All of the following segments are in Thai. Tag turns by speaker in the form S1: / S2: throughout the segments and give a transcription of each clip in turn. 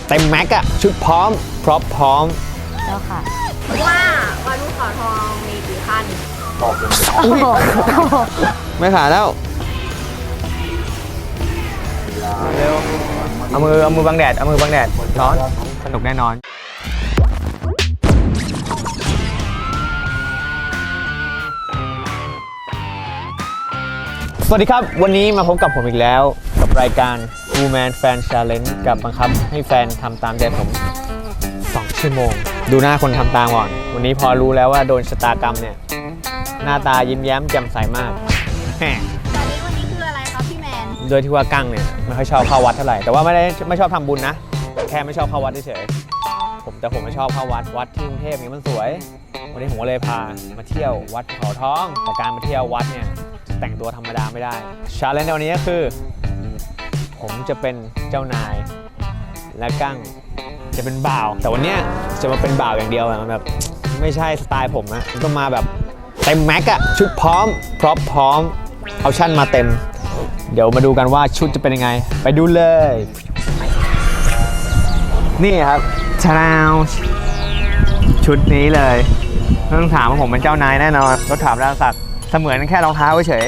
S1: เต็มแม็กอะชุดพร้อมพร้อม
S2: เจ้าค่ะ
S3: ว่าวันภูเขาทองมีกี่ขั้น
S1: ไม่ขาดแล้วเร็วเอามือบังแดดร้อนสนุกแน่นอนสวัสดีครับวันนี้มาพบกับผมอีกแล้วกับรายการ Woman Fan Challenge กับบังคับให้แฟนทำตามใจผม2 ชั่วโมงดูหน้าคนทำตามก่อนวันนี้พอรู้แล้วว่าโดนชะตากรรมเนี่ยหน้าตายิ้มแย้มแจ่มใสมาก
S3: วันนี้คืออะไรครับพี่แมน
S1: โดยที่ว่ากั้งเนี่ยไม่ค่อยชอบเข้าวัดเท่าไหร่แต่ว่าไม่ชอบทำบุญนะแค่ไม่ชอบเข้าวัดเฉยๆแต่ผมไม่ชอบเข้าวัดที่กรุงเทพเนี่ยมันสวยวันนี้ผมก็เลยพามาเที่ยววัดภูเขาทองแต่การมาเที่ยววัดเนี่ยแต่งตัวธรรมดาไม่ได้ชาเลนจ์ในวันนี้ก็คือผมจะเป็นเจ้านายและกั้งจะเป็นบ่าวแต่วันนี้จะมาเป็นบ่าวอย่างเดียวมันแบบไม่ใช่สไตล์ผมนะต้องมาแบบเต็มแม็กอะชุดพร้อมเอาชั่นมาเต็มเดี๋ยวมาดูกันว่าชุดจะเป็นยังไงไปดูเลยนี่ครับชาแนลชุดนี้เลยไม่ต้องถามว่าผมเป็นเจ้านายแน่นอนรถถามราศักดิ์เสมือนแค่รองเท้าเฉย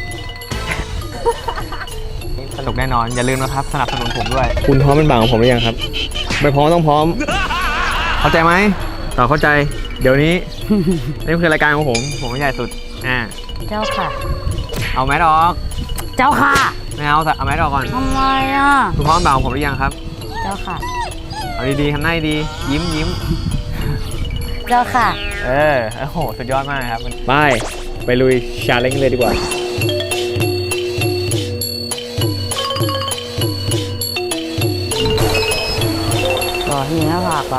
S1: สนุกแน่นอนอย่าลืมนะครับสนับสนุนผมด้วยคุณพร้อมเป็นบ่าวของผมหรือยังครับไม่พร้อมต้องพร้อมเข้าใจไหมต่อเข้าใจเดี๋ยวนี้ นี่คือรายการของผมไม่ใหญ่สุด
S2: เจ้าค่ะ
S1: เอาแมสออก
S2: เจ้าค่ะ
S1: ไม่เอาแมสออกก่อน
S2: ทำไมอ่ะ
S1: คุณพร้อมบ่าวของผมหรือยังครับ
S2: เจ้าค่ะ
S1: เอาดีๆทำหน้าดียิ้ม
S2: เจ้าค่ะ
S1: โอ้โหสุดยอดมากครับไปลุยชาเลนจ์เลยดีกว่า
S2: ที่หน้าผากเหรอ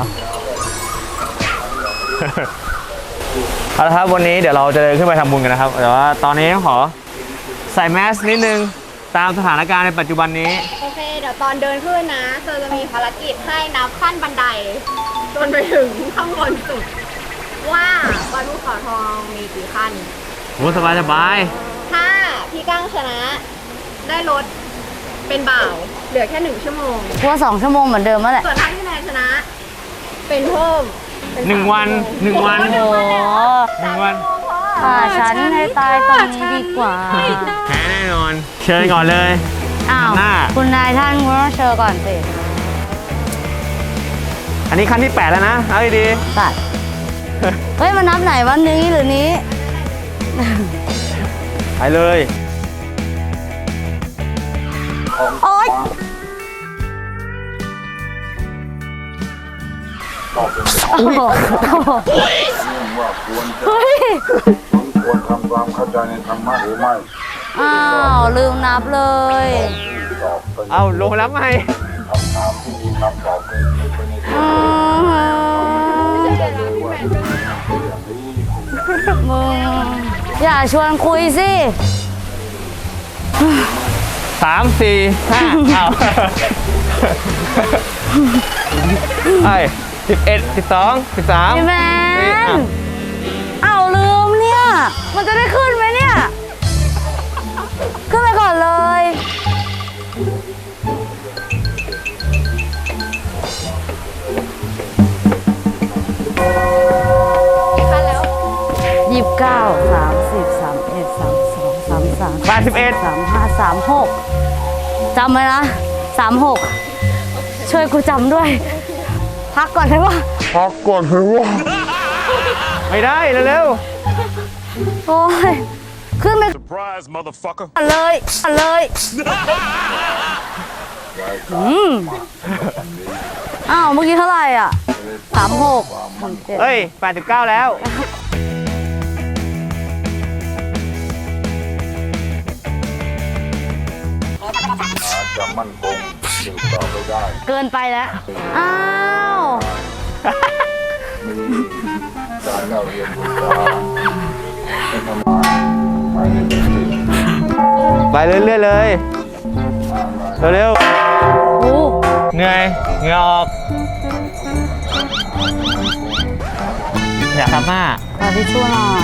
S1: เอาละครับวันนี้เดี๋ยวเราจะเดินขึ้นไปทำบุญกันนะครับแต่ว่าตอนนี้ขอใส่แมสนิดนึงตามสถานการณ์ในปัจจุบันนี้
S3: โอเคเดี๋ยวตอนเดินขึ้นนะเธอจะมีภารกิจให้นับขั้นบันไดจนไปถึงข้างบนสุดว่าวันภูเขาทองมีกี่ขั้น
S1: โอ้สบาย
S3: ถ้าพี่กั้งชนะได้รถเป็นบ่าวเหลือแค่1 ชั่วโมง
S2: ว่า2 ชั่วโมงเหมือนเดิมแล้วแหละ
S3: ส่วนถ้าพี่แมนชนะเป็นเพิ่ม
S1: 1 วัน
S2: โอ้
S1: 1 วัน
S2: ฉันให้ตายตรงนี้ดีกว่า
S1: แพ้แน่นอนเชิญก่อนเลย
S2: อ้าวคุณนายท่านคุณต้องเชิญก่อนสิ
S1: อันนี้ขั้นที่8แล้วนะเอาดี
S2: ๆตัดเฮ้ยมันนับไหนวันนี้หรือนี้
S1: ไปเลย
S2: โอ๊ย
S4: ควรทำความเข้าใจในธรรมะหรือไม่
S2: อ้าวลืมนับเลย
S1: เอาลงแล้วไหม
S4: คำถามที่มีคำตอบเป็นไปในตัว
S2: มึงอย่าชวนคุยสิ
S1: 3 4 5เอา11 12 13
S2: พี่แมนเอาลืมเนี่ยมันจะได้ขึ้นไหมเนี่ยขึ้นไปก่อนเลย
S3: ขั้นแล้ว
S2: 29 30 31 32 33
S1: 31
S2: 35 36จำไว้นะ36ช่วยกูจำด้วยพักก่อนได้ปะ
S1: ไม่ได้เร็ว
S2: โอ้ยขึ้นไปเลยอ้าวเมื่อกี้เท่าไหร่อ่ะ36
S1: เฮ้ย89แล้ว
S4: จะมั่นคงสืบต่อไปได้
S2: เกินไปแล้วอ้าว
S4: มีการเล่าเรียนรู้การเป็นธรรมะไปในตัวเอง
S1: ไปเรื่อยๆเลยเร็วเหนื่อยเหงื่อออกอยากทำหน้า
S2: ขอทิชชู่หน่อย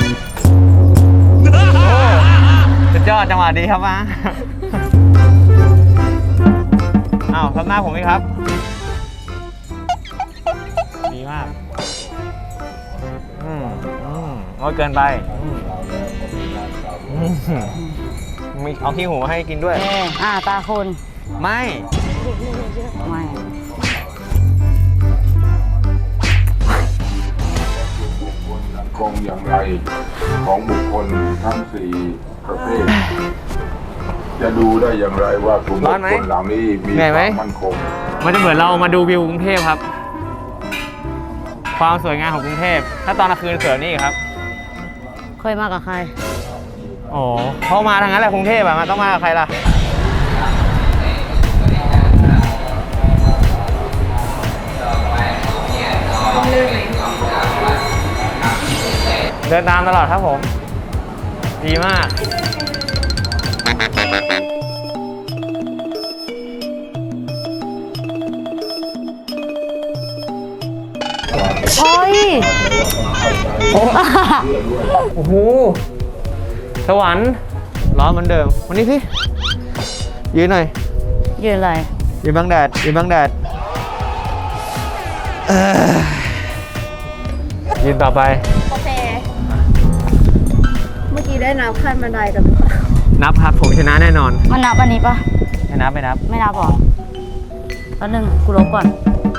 S1: สุดยอดจังหวะดีครับมาอ้าวทำหน้าผมไหมครับมากโอ้ยเกินไปมีเอาขี้หูมาให้กินด้วย
S2: ตาคุณ
S1: ไม่
S2: ไม่
S4: คงอย่างไรของบุคคลทั้งสี่ประเภท จะดูได้อย่างไรว่ากลุ่มบุคคลเหล่านี้มีความมั่นคง
S1: มันจะเหมือนเรามาดูวิวกรุงเทพครับ ความสวยงามของกรุงเทพถ้าตอนกลางคืนเสือนี่ครับ
S2: เคยมากับใคร
S1: โอ้เขามาทางนั้นแหละกรุงเทพอะมันต้องมากับใครล่ะเดินตามตลอดครับผม ดีมาก
S2: โอ้ย
S1: โอ้โห สวรรค์ร้อนเหมือนเดิม วันนี้สิ ยืนหน่อย
S2: ยืนอะไร
S1: ยืนบังแดด ยืนบังแดดยืนต่อไป
S3: โอเค เมื่อกี้ได้นับขั้นบันไดกันหรือเปล่า
S1: นับครับ ผมชนะแน่นอน
S2: มันนับอันนี้ปะ
S1: ไม่นับ ไม่นับ
S2: ไม่นับหรอแป๊บนึงกูลบก่อน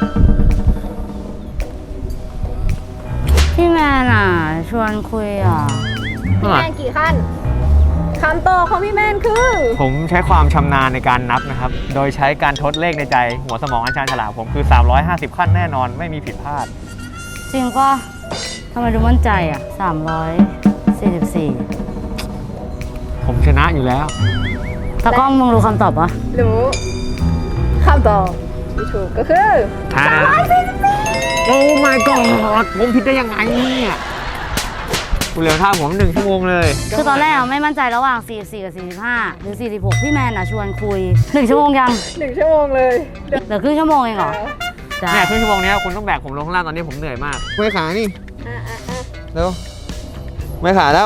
S2: พี่แมนอ่ะ ชวนคุยอ่ะ
S3: พี่แมนกี่ขั้นคำตอบของพี่แมนคือ
S1: ผมใช้ความชำนาญในการนับนะครับ โดยใช้การทดเลขในใจ หัวสมองอันชาญฉลาดผมคือ 350 ขั้นแน่นอน ไม่มีผิดพลาด
S2: จริงปะทำไมดูมั่นใจอ่ะ 344
S1: ผมชนะอยู่แล้ว
S2: ตากล้องมึงรู้คำตอบปะ
S3: รู้คำตอบที่ถูกก็คือ
S1: โอ้ my god ผมผิดได้ยังไงเนี่ยกูเหลือท่าผม1 ชั่วโมงเลย
S2: คือตอนแรกอะไม่มั่นใจระหว่าง 44 กับ 45 หรือ 46 พี่แมนอ่ะชวนคุย 1 ชั่วโมงยัง
S3: 1 ชั่วโมงเลย
S2: เหลือครึ่งชั่วโมงเองเหรอจ้า
S1: เนี่ยครึ่งชั่วโมงนี้คุณต้องแบกผมลงข้างล่างตอนนี้ผมเหนื่อยมากเมื่อยขานี่เร็วเมื่อยขาแล้ว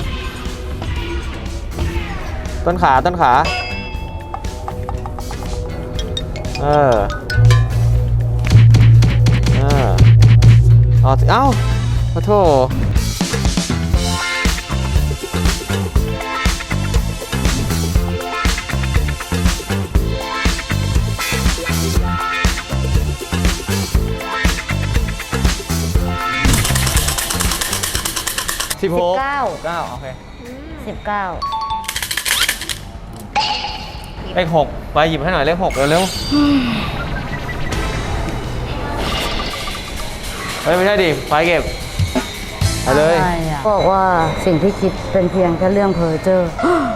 S1: ต้นขาต้นขาเอาสิเอ้าขอโทษ16 9โอเค
S2: 19
S1: เลข6ไปหยิบให้หน่อยเลข6เร็วๆเฮ้ยไม่ใช่ดิไปเก็บไปเลย
S2: บอกว่าสิ่งที่คิดเป็นเพียงแค่เรื่องเพ้อเจ้อ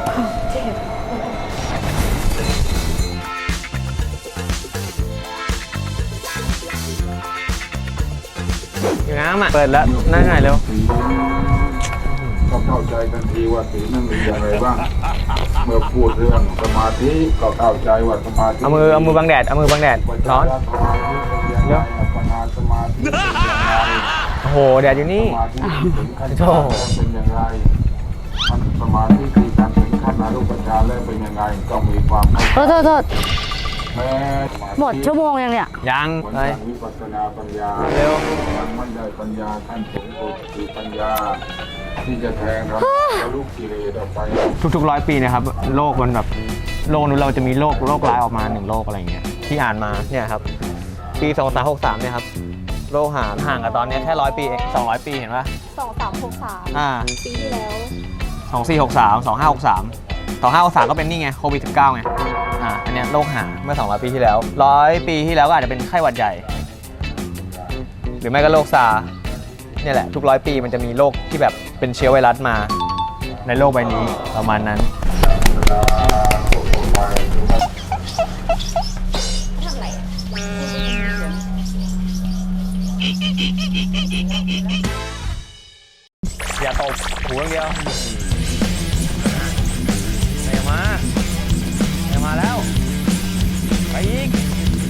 S1: อยู่น้ำอ่ะเปิดแล้วนั่งไหนเร็ว
S4: ก็เข้าใจทันทีว่าสีนั้นมีอย่างไรบ้าง เมื่อพูดเรื่องสมาธิก็เข้าใจว่าสมาธิ
S1: เอามือบังแดดร้อน
S4: สมาธิเป็นอย่างไรปัญหาสมาธิเป็นอย่างไร
S1: โอ้โหแดดอยู่นี่
S4: สมาธิถึงขั้นฌานเป็นอย่างไรมันสมาธิที่การถึงขั้นอรูปฌานแล้วเป็นยังไงก็มีความเข้าใจ
S2: โทษ
S4: แม้
S2: หมดชั่วโมงยังเนี่ย
S1: ยัง
S4: ผล
S1: ไป
S4: ทางวิปัสสนาปัญญา
S1: เร็ว
S4: ยังไม่ได้ปัญญาขั้นสูงสุดคือปัญญา ที่จะแทงเราลูกกิเลสออกไป
S1: ทุกๆ100 ปีนะครับโลกมันแบบโลกนู้นเราจะมีโรคร้ายออกมา1 โรคอะไรอย่างเงี้ยที่อ่านมาเนี่ยครับปี2363เนี่ยครับโลกห่างกับตอนนี้แค่100 ปีเอง200 ปีเห็นปะ
S3: 2363 ปีที่แล้ว
S1: 2463 2563 ก็เป็นนี่ไงโควิด 19ไงอันเนี้ยโรคหาเมื่อ200 ปีที่แล้ว100 ปีที่แล้วก็อาจจะเป็นไข้หวัดใหญ่ หรือไม่ก็โรคซาร์เนี่ยแหละทุก100 ปีมันจะมีโรคที่แบบเป็นเชื้อไวรัสมาในโลกใบนี้ประมาณนั้น
S3: ทำไรอะ
S1: อย่าตบหูอย่างเดียวมาแล้ว ไปอีก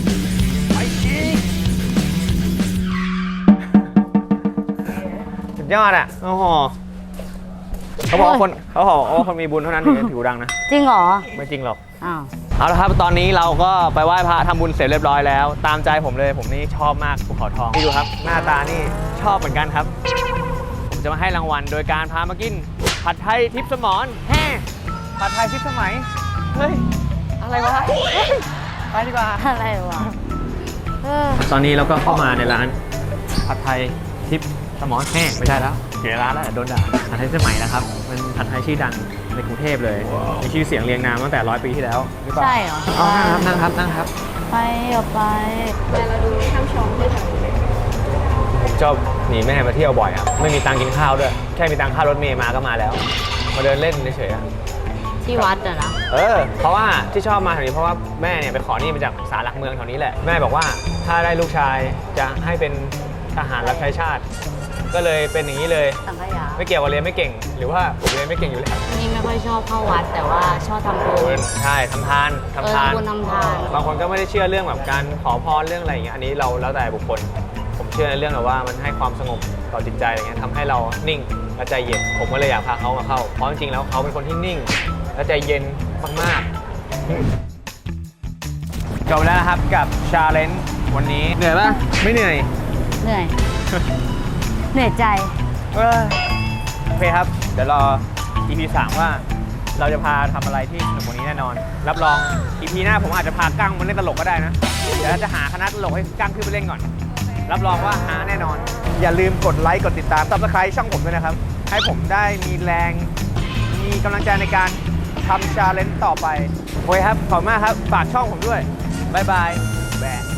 S1: สุดยอดอ่ะ โอ้โหเขาบอกว่าคนมีบุญเท่านั้นถึงจะถือดังนะ
S2: จริงเหรอ
S1: ไม่จริงหรอก
S2: อ้าว
S1: เอาละครับตอนนี้เราก็ไปไหว้พระทำบุญเสร็จเรียบร้อยแล้ว ตามใจผมเลยผมนี่ชอบมากภูเขาทองนี่ดูครับ หน้าตานี่ชอบเหมือนกันครับ ผมจะมาให้รางวัลโดยการพามากินผัดไทยทิพย์สมรแฮ่ผัดไทยทิพย์สมัยเฮ้ยอะไรวะเฮ้ยไปดีกว่า
S2: อะไรวะ
S1: ตอนนี้เราก็เข้ามาในร้านผัดไทยทิพย์สมรแห้งไม่ใช่แล้วเสียร้านแล้วโดนด่าผัดไทยสมัยนะครับเป็นผัดไทยชื่อดังในกรุงเทพเลยมีชื่อเสียงเรียงนามตั้งแต่100 ปีที่แล้วหรือเปล่า
S2: ใช่เหรอ
S1: เอานั่งครับนั่งครับ
S2: ไปเอาไป
S3: แต่เราดูช่างชมด้วยค่ะ
S1: ผมชอบหนีแม่มาเที่ยวบ่อยครับไม่มีตังค์กินข้าวด้วยแค่มีตังค่ารถเมล์มาก็มาแล้วมาเดินเล่นเฉยๆอะ
S2: ที่วัดอะนะ
S1: เพราะว่าที่ชอบมาแถวนี้เพราะว่าแม่เนี่ยไปขอนี่มาจากศาลหลักเมืองแถวนี้แหละแม่บอกว่าถ้าได้ลูกชายจะให้เป็นทหารรับใช้ชาติ ก็เลยเป็นอย่างนี้เลย
S2: สังขยา
S1: ไม่เกี่ยวกับเรียนไม่เก่ง หรือว่าผมเรียนไม่เก่งอยู่แล้ว
S2: นี่ไม่ค่อยชอบเข้าวัดแต่ว่าชอบทำบุญ
S1: ใช่ทำทาน
S2: ทำบุญทำทาน
S1: บางคนก็ไม่ได้เชื่อเรื่องแบบการขอพรเรื่องอะไรอย่างเงี้ยอันนี้เราแล้วแต่บุคคล ผมเชื่อในเรื่องแบบว่ามันให้ความสงบต่อจิตใจอย่างเงี้ยทำให้เรานิ่งและใจเย็นผมก็เลยอยากพาเขามาเข้าเพราะจริงๆแล้วเขาเป็นคนที่นิ่งและใจเย็นมากๆจบแล้วนะครับกับชาเลนจ์วันนี้เหนื่อยปะไม่เหนื่อย
S2: เหนื่อย เหนื่อยใจ
S1: โอเคครับ เดี๋ยวรอ EP 3 ว่าเราจะพาทำอะไรที่สนุกกว่านี้แน่นอน รับรอง EP หน้าผมอาจจะพากั้งมาเล่นตลกก็ได้นะ เดี๋ยวเราจะหาคณะตลกให้กั้งขึ้นไปเล่นก่อน รับรองว่าหาแน่นอน อย่าลืมกดไลค์กดติดตาม Subscribe ช่องผมด้วยนะครับ ให้ผมได้มีแรง มีกำลังใจในการทำชาเลนจ์ต่อไปโอเคครับ ขอบคุณมากครับ ฝากช่องผมด้วย บ๊ายบายแบะ